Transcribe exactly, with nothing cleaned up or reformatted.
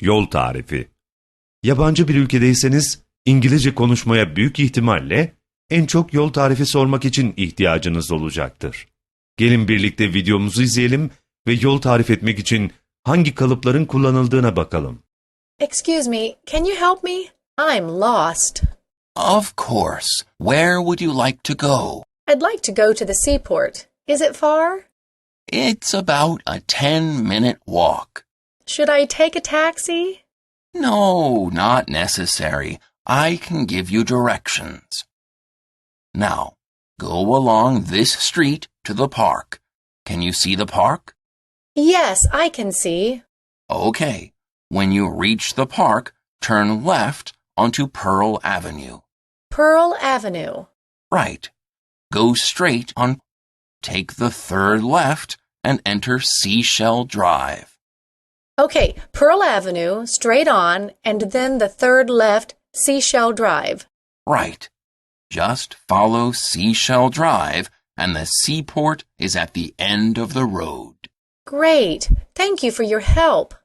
Yol tarifi. Yabancı bir ülkedeyseniz İngilizce konuşmaya büyük ihtimalle en çok yol tarifi sormak için ihtiyacınız olacaktır. Gelin birlikte videomuzu izleyelim ve yol tarif etmek için hangi kalıpların kullanıldığına bakalım. Excuse me, can you help me? I'm lost. Of course. Where would you like to go? I'd like to go to the seaport. Is it far? It's about a ten-minute walk. Should I take a taxi? No, not necessary. I can give you directions. Now, go along this street to the park. Can you see the park? Yes, I can see. Okay. When you reach the park, turn left onto Pearl Avenue. Pearl Avenue. Right. Go straight on. Take the third left and enter Seashell Drive. Okay, Pearl Avenue, straight on, and then the third left, Seashell Drive. Right. Just follow Seashell Drive and the seaport is at the end of the road. Great. Thank you for your help.